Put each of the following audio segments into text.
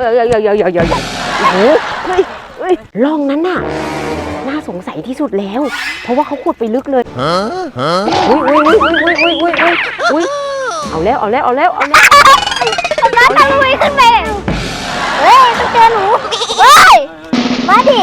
เฮ้ยร่องนั้นน่ะน่าสงสัยที่สุดแล้วเพราะว่าเขาขุดไปลึกเลยอุ้ยเอาแล้วน้องทำไมขึ้นไปเฮ้ยต้องเจอหนูเฮ้ยมาดิ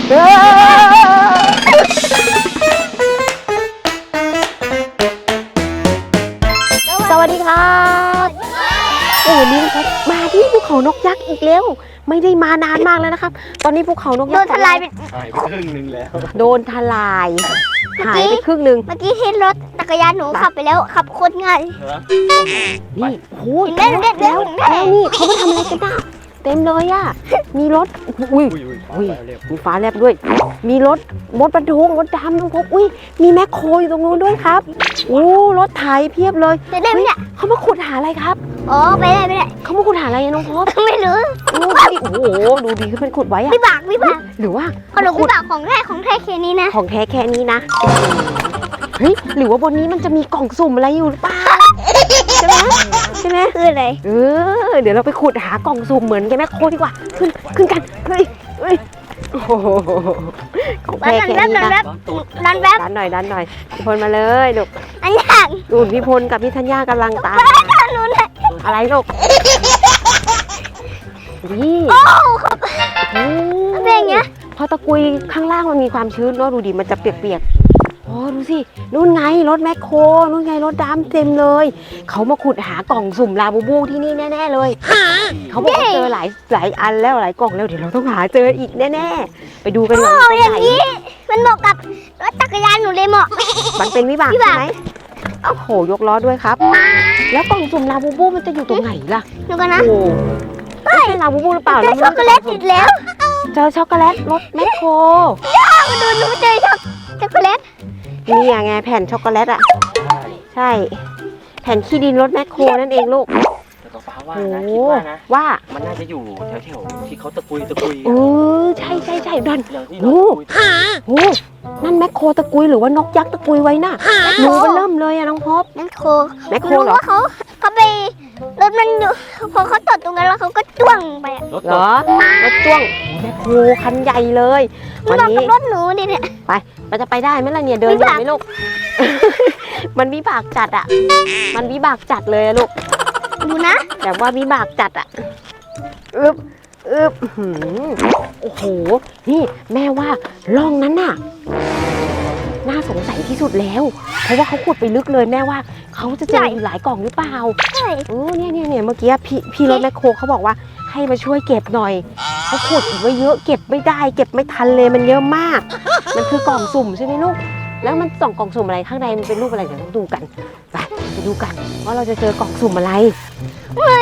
สวัสดีครับวันนี้นะครับมาที่ภูเขานกยักษ์อีกแล้วไม่ได้มานานมากแล้วนะครับตอนนี้ภูเขานกยักษ์โดนทลายไปครึ่งนึงแล้วโดนทลายหายไปครึ่งนึงเมื่อกี้เห็นรถจักรยานหนูขับไปแล้วขับโคตรง่ายนี่โอ้ยแล้วนี่เขามาทำอะไรกันน่ะเต็มเลยอ่ะมีรถอุ้ยมีฟ้าแลบด้วยมีรถบรรทุกรถดำน้องพบอุ้ยมีแมคโครอยู่ตรงนู้นด้วยครับโอ้รถไถเพียบเลยได้ไหมเนี่ยเขามาขุดหาอะไรครับอ๋อไม่ได้เขามาขุดหาอะไรน้องพบไม่รู้โอ้โหดูดีขึ้นเป็นขุดไว้อะวิบากหรือว่าขนมวิบากของแท้แค่นี้นะของแท้แค่นี้นะเฮ้ยหรือว่าบนนี้มันจะมีกล่องสุ่มอะไรอยู่หรือเปล่าใช่ไหมคืออะไรเดี๋ยวเราไปขุดหากล่องสุ่มเหมือนแกแม่โคดีกว่าขึ้นกันเฮ้ยโอ้โหของแท้แค่นี้นะดันหน่อยพี่พลมาเลยลูกอันยังดูพี่พลกับพี่ธัญญากำลังตามอะไรลูกนี่โอ้เป็นอย่างเงี้ยพอตะกุยข้างล่างมันมีความชื้นเนาะดูดิมันจะเปียกโอ้ดูสินู่นไงรถแมคโครนู่นไงรถดำเต็มเลยเขามาขุดหากล่องสุ่มลาบูบูที่นี่แน่ๆเลยเขาบอกว่าเจอหลายอันแล้วหลายกล่องแล้วเดี๋ยวเราต้องหาเจออีกแน่ๆไปดูกันว่าอย่างนี้มันเหมาะกับรถจักรยานหนูเลยเหมาะมันเป็นวิบากใช่ไหมโอ้โหยกล้อด้วยครับแล้วกล่องสุ่มลาบูบูมันจะอยู่ตรงไหนล่ะดูกันนะไม่ใช่ลาบูบูหรือเปล่าเจอช็อกโกแลตติดแล้วเจอช็อกโกแลตรถแมคโครมาดูหนูเจอช็อกโกแลตนี่ไงแผ่นช็อกโกแลตอ่ะใช่แผ่นขี้ดินรถแมคโครนั่นเองลูกแต่ก็ฟ้าว่านะคิดว่านะว่ามันน่าจะอยู่แถวๆที่เขาตะกุยใช่ดันโอ้นั่นแมคโครตะกุยหรือว่านกยักษ์ตะกุยไว้น่ะหนูมันเริ่มเลยอะน้องพบแมคโครเหรอเขาไปรถมันอยู่พอเขาตดตรงนั้นแล้วเขาก็จ้วงไปเหรอรถจ้วงแมคโครคันใหญ่เลยวันนี้รถหนูดิเนี่ยไปเราจะไปได้ไหมล่ะเนี่ยเดินได้ไหมลูกมันวิบากจัดอ่ะมันวิบากจัดเลยลูกดูนะแบบว่าวิบากจัดอ่ะโอ้โหนี่แม่ว่าร่องนั้นน่ะน่าสงสัยที่สุดแล้วเพราะว่าเขาขุดไปลึกเลยแม่ว่าเขาจะเจออีกหลายกล่องหรือเปล่าใช่เนี่ยเมื่อกี้พี่รถแมคโครเขาบอกว่าให้มาช่วยเก็บหน่อยเขาขุดไว้เยอะเก็บไม่ได้เก็บไม่ทันเลยมันเยอะมากมันคือกล่องสุ่มใช่ไหมลูกแล้วมันส่องกล่องสุ่มอะไรข้างในมันเป็นรูปอะไรเดี๋ยวต้องดูกันไปดูกันว่าเราจะเจอกล่องสุ่มอะไรโอ้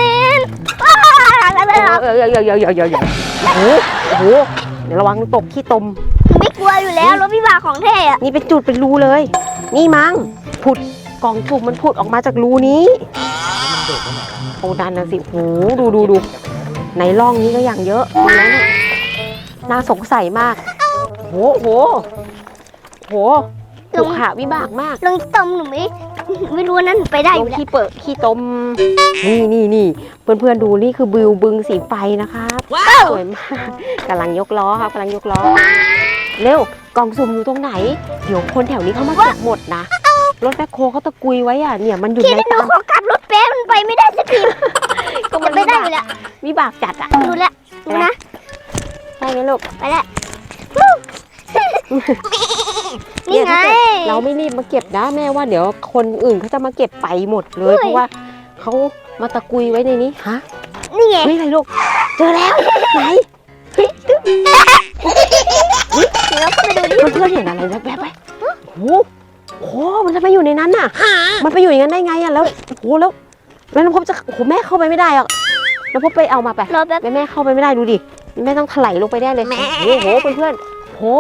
โหเดี๋ยวระวังตกขี้ตมไม่กลัวอยู่แล้วรถวิบากของแท้อะนี่เป็นจุดเป็นรูเลยนี่มั้งผุดกล่องสุ่มมันผุดออกมาจากรูนี้โอ้ดันนะสิโหดูในร่องนี้ก็อย่างเยอะแล้วเนี่ยน่าสงสัยมากโหถูกหาวิบากมากลงตมหนูไม่รู้นั่นไปได้อยู่ขี้เปิดขี้ตมนี่เพื่อนๆดูนี่คือบิวบึงสีไฟนะครับสวยมากกำลังยกล้อครับเร็วกล่องสุ่มอยู่ตรงไหนเดี๋ยวคนแถวนี้เขามาเก็บหมดนะรถแมคโครเขาตะกุยไว้อ่ะเนี่ยมันอยู่ในตามขอขับรถเป๊ะมันไปไม่ได้สักทีก็มันไม่ได้อยู่แล้ววิบากจัดอ่ะดูนะใช่ไหมลูกไปแล้วนี่ไงเราไม่รีบมาเก็บนะแม่ว่าเดี๋ยวคนอื่นเขาจะมาเก็บไปหมดเลยเพราะว่าเขามาตะกุยไว้ในนี้ฮะนี่ไงอะไรลูกเจอแล้วไหนเดี๋ยวเข้าไปดูดิเพื่อนเห็นอะไรแบบไปโอ้โหมันจะไปอยู่ในนั้นน่ะมันไปอยู่อย่างนั้นได้ไงอ่ะแล้วโอ้แล้วน้องพบจะแม่เข้าไปไม่ได้อ่ะน้องพบไปเอามาไปแม่เข้าไปไม่ได้ดูดิแม่ต้องถลายลงไปแน่เลยโอ้โหเพื่อนโอ้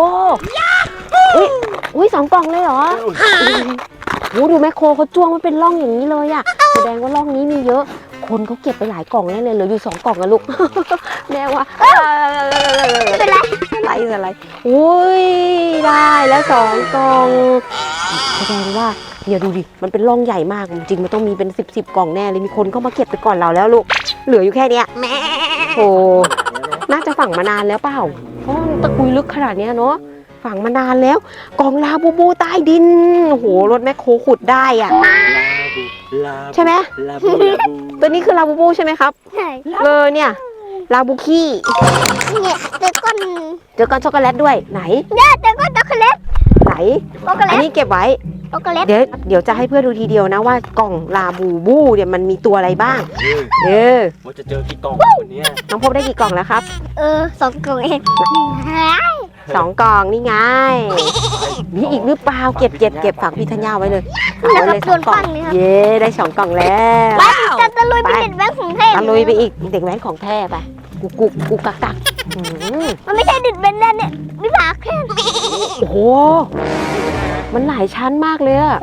อุ้ย2 กล่องเลยเหรอโอ้ดูแมคโครเขาจ้วงมันเป็นร่องอย่างนี้เลยอ่ะแสดงว่าร่องนี้มีเยอะคนเขาเก็บไปหลายกล่องแน่เลยเหลืออยู่2 กล่องอะลูกแม่ว่าเป็นไรโอ้ยได้แล้ว2 กล่องแสดงว่าเนี่ยดูดิมันเป็นร่องใหญ่มากจริงมันต้องมีเป็น10 กล่องแน่เลยมีคนเข้ามาเก็บไปก่อนเราแล้วลูกเหลืออยู่แค่เนี้ยโอ้น่าจะฝังมานานแล้วเปล่าเพราะมันตะกุยลึกขนาดเนี้ยเนาะฝังมานานแล้วกล่องลาบูบูใต้ดินโอ้โหรถแมคโครขุดได้อ่ะใช่ไหมตัวนี้คือลาบูบูใช่ไหมครับใช่เนี่ยลาบูคี้เนี่ยเจอก้อนเจอก้อนช็อกโกแลตด้วยไหนเนี่ยเจอก้อนช็อกโกแลตไหนช็อกโกแลอันตนี้เก็บไว้ช็อกโกแลตเดี๋ยวจะให้เพื่อนดูทีเดียวนะว่ากล่องลาบูบูเนี่ยมันมีตัวอะไรบ้างว่าจะเจอกี่กล่องคนนี้น้องพบได้กี่กล่องแล้วครับ 2 กล่องเอง 2 กล่องนี่ไงมีอีกหรือเปล่าเก็บฝากพี่ธัญญาไว้เลยแล้วก็เลยโดนฟังเลยครับเย้ได้2 กล่องแล้วจะตะลุยไปเด็ดแบงค์ของเทพตะลุยไปอีกเด็กแว้นของแท้ไปกุกกักอืมมันไม่ใช่ดิดเบนแน่เนี่ยวิภาแค่โอ้โหมันหลายชั้นมากเลยอะ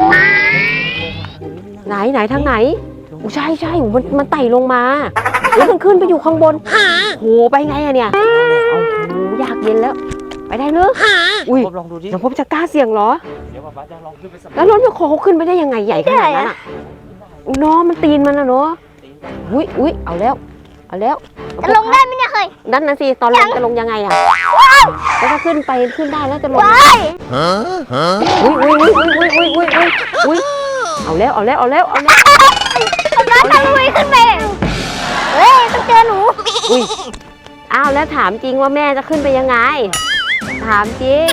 ไหนทางไหนใช่มันไต่ลงมาแล้วมันขึ้นไปอยู่ข้างบนโหไปไงอะเนี่ยโอ้โหอยากเย็นแล้วไปได้เลยอุ้ยลองดูดิน้องพบจะกล้าเสี่ยงเหรอเดี๋ยวป้าจะลองขึ้นไปสัมผัสแล้วรถแมคโครเขาขึ้นไปได้ยังไงใหญ่ขนาดนั้นอ่ะเนาะมันตีนมันอะเนาะอุ้ยเอาแล้วจะลงได้ไหมเนี่ยเคยนั่นนะสิตอนลงจะลงยังไงอะแล้วถ้าขึ้นได้แล้วจะลงว้ายอุ้ยเอาแล้วน้องตะลุยขึ้นไปต้องเจอหนูอุ้ยอ้าวแล้วถามจริงว่าแม่จะขึ้นไปยังไงถามจริง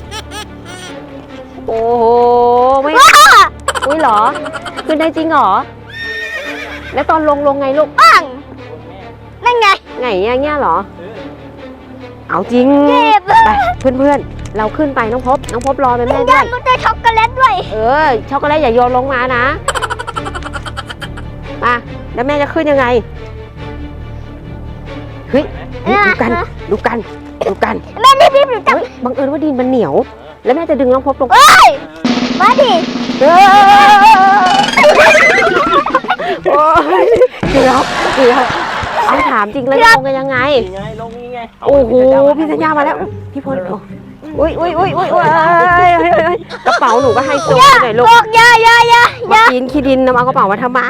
โอ้โหไม่อุ้ยเหรอขึ้นได้จริงเหรอแล้วตอนลงไงลูกปังนั่นไงไงอย่างเงี้ยเหรอเอาจริงเจ็บไปเพื่อนเราขึ้นไปน้องพบรอแม่ด้ด้าวน ยมันจะช็อกโกแลตด้วยช็อกโกแลตอย่าโยนลงมานะมาแล้วแม่จะขึ้นยังไงเฮ้ยดูกันแม่รีบหนูจับเฮ้ยบังเอิญว่าดินมันเหนียว แล้วแม่จะดึงน้องพบลงมาดิโอ้ยเกือบเอาถามจริงเลยลงกันยังไงนี่ไงลงนี่ไงโอ้โหพี่สัญญามาแล้วพี่พลอุ้ยกระเป๋าหนูก็ให้โซ่หน่อยลูกบอกยามากินขี้ดินนำเอากระเป๋ามาทำไม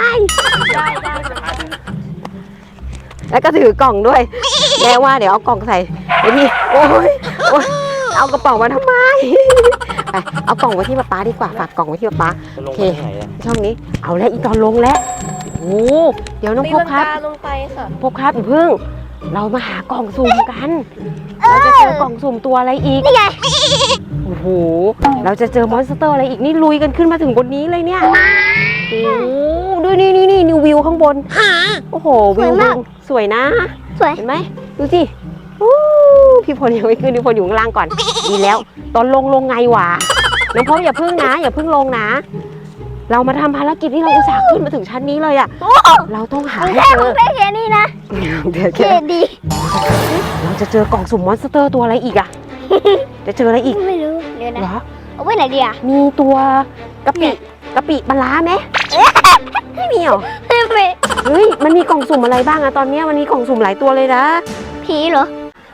แล้วก็ถือกล่องด้วยแม่ว่าเดี๋ยวเอากล่องใส่ไอ้นี่โอ้ยเอากระเป๋ามาทำไมไปเอากล่องไว้ที่ป๊าดีกว่าฝากกล่องไว้ที่ป๊าจะลงไปไหนอ่ะช่องนี้เอาแล้วอีตอนลงแล้วโอ้เดี๋ยวน้องพบครับลงไปค่ะพบครับอย่าเพิ่งเรามาหากล่องสุ่มกันเราจะเจอกล่องสุ่มตัวอะไรอีกนี่ไงโอ้โหเราจะเจอมอนสเตอร์อะไรอีกนี่ลุยกันขึ้นมาถึงบนนี้เลยเนี่ยโอ้ดูนี่นิววิวข้างบนโอ้โหวิวสวยนะสวยเห็นไหมดูสิพี่พลยังไม่ขึ้นพี่พลอยู่ข้างล่างก่อนดีแล้ว ตอนลงไงวะน้องพบอย่าเพิ่งลงนะ เรามาทำภารกิจที่เราอุตส่าห์ขึ้นมาถึงชั้นนี้เลยอ่ะเราต้องหาให้เจอแค่นี้นะเดี๋ยวเท่ดีเราจะเจอกล่องสุ่มมอนสเตอร์ตัวอะไรอีกอ่ะจะเจออะไรอีกไม่รู้เดี๋ยวนะเหรอเอาไว้ไหนดีอ่ะมีตัวกะปิปลาร้าไหมไม่มีเหรอไม่เฮ้ยมันมีกล่องสุ่มอะไรบ้างอะตอนนี้มันมีกล่องสุ่มหลายตัวเลยนะผีเหรอ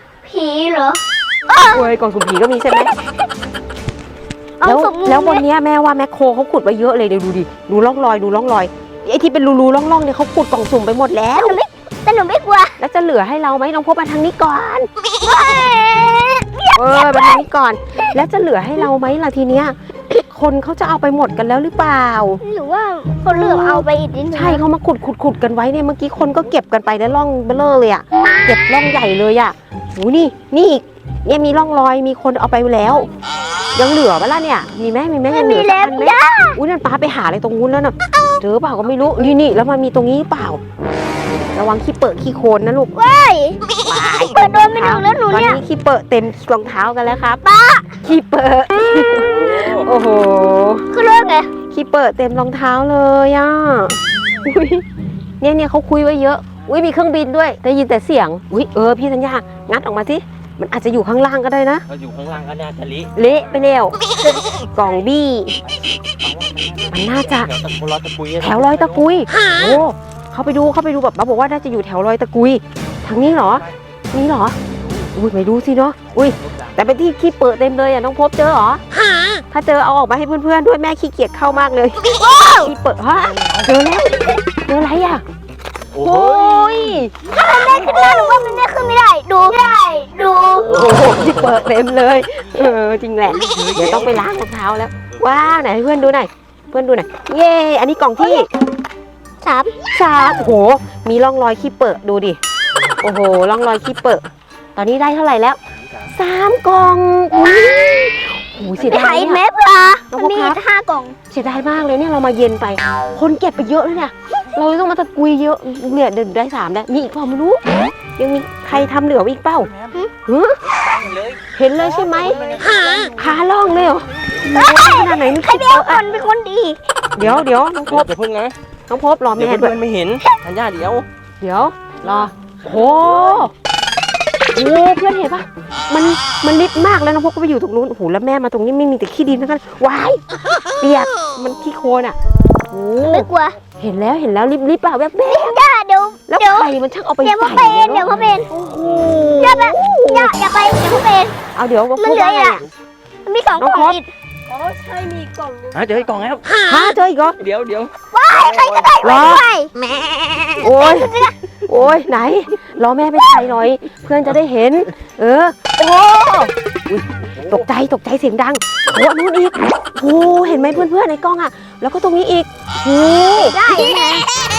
โอ้ยกล่องสุ่มผีก็มีใช่ไหมเอาแล้วสุ่มแล้วบนเนี้ยแม่ว่าแมคโครเขาขุดไว้เยอะเลยเดี๋ยวดูดิดูร่องรอยไอ้ที่เป็นรูร่องเนี่ยเขาขุดกล่องสุ่มไปหมดแล้วแต่หนูไม่กลัวแล้วจะเหลือให้เราไหมน้องพบมาทางนี้ก่อนมาทางนี้ก่อน แล้วจะเหลือให้เราไหมล่ะทีเนี้ยคนเขาจะเอาไปหมดกันแล้วหรือเปล่าหรือว่าคนเหลือเอาไปอีกนิดนึงใช่เขามาขุดกันไว้เนี่ยเมื่อกี้คนก็เก็บกันไปได้ร่องเบลอเลยอ่ะเก็บร่องใหญ่เลยอ่ะโหนี่อีกเนี่ยมีร่องรอยมีคนเอาไปแล้ว ยังเหลือปะล่ะเนี่ยมีไหมยังเหลือสักอันไหมอุ้ยนั่นป้าไปหาอะไรตรงนู้นแล้วน่ะเจอเปล่าก็ไม่รู้นี่แล้วมันมีตรงนี้เปล่าระวังขี้เปอะขี้โคลนนะลูกว้ายเปิดโดนไม่ถึงแล้วหนูตอนเนี่ยนี้ขี้เปอะเต็มรองเท้ากันแล้วครับขี้เปอะโอ้โหคือเรื่องไงขี้เปอะเต็มรองเท้าเลยอ่ะอุ๊ยเนี่ยเขาคุยไว้เยอะอุ้ยมีเครื่องบินด้วยได้ยินแต่เสียงอุ้ยพี่สัญญางัดออกมาสิมันอาจจะอยู่ข้างล่างก็ได้นะเราอยู่ข้างล่างก็น่าจะลิเละไปแล้วกล่องบี้มันน่าจะแถวรอยตะกุยแถวรอยตะกุยโอ้เขาไปดูแบบป้าบอกว่าน่าจะอยู่แถวรอยตะกุยทางนี้เหรอนี่เหรออุ้ยไม่รู้สิเนาะอุ้ยแต่เป็นที่ขี้เปิดเต็มเลยอ่ะน้องพบเจอเหรอถ้าเจอเอาออกมาให้เพื่อนๆด้วยแม่ขี้เกียจเข้ามากเลยขี้เปิดฮะเจอแล้วเจออะไรอ่ะโอ้โอ้ยถ้ามันได้ขึ้นมาหนูว่ามันได้ขึ้นไม่ได้ดูดูโอ้โหที่เปิดเต็มเลย จริงแหละ เดี๋ยวต้องไปล้างรองเท้าแล้ว ว้าวไหนให้เพื่อนดูหน่อยเพื่อนดูหน่อยเย้อันนี้กล่องที่ 3โอ้โหมีร่องรอยขี้เปิดดูดิโอ้โหร่องรอยขี้เปิดตอนนี้ได้เท่าไหร่แล้ว3 กล่องอุ้ยโอ้โหเสียดายหายเนี่ยเม็ดละน้องมีพบครับ 5 กล่องเสียดายมากเลยเนี่ยเรามาเย็นไป คนเก็บไปเยอะเลยเนี่ยเราต้องมาตะกุยเยอะเนี่ยเดินได้3แล้วมีอีกเปล่าไม่รู้ยังมีใครทำเหลืออีกเปล่าฮะเลยเห็นเลยใช่ไหมขาล่องเลยเหรอขนาดไหนนี่ใครเป็นคนเป็นคนดีเดี๋ยวน้องพบอย่าพึ่งนะน้องพบรอเดี๋ยวแม่ด้เพื่วยอนไม่เห็นธัญญาเดี๋ยวเดี๋ยวรอโอ้โหเพื่อนเห็นปะมันนิดมากแล้วน้องพบก็ไปอยู่ตรงนู้นโอ้โหแล้วแม่มาตรงนี้ไม่มีแต่ขี้ดินทั้งนั้นวายเปียกมันขี้โคลนอ่ะโอ้ไม่กลัวเห็นแล้วรีบๆอ่ะแวบย่าเดี๋ยวๆแล้วใครมันช่างเอาไปเดี๋ยวใส่พ่อเป็นเดี๋ยวพ่อเป็นโอ้โหย่าไปอย่าไปเดี๋ยวพ่อเป็นเอาเดี๋ยวมันเหลืออีกอ่ะอ่ะมันมี2 กล่องอีกเจออีกกล่องแล้วฮะเจออีกเหรอเดี๋ยวใครจะได้รอไปแม่โอ้ยไหนรอแม่ไปถ่ายหน่อย เพื่อนจะได้เห็น โอ้อุ๊ยตกใจเสียงดังโอ้นู่นอีกโอ้เห็นไหมเพื่อนๆในกล้องอ่ะ แล้วก็ตรงนี้อีกโอ้ได้แม่โ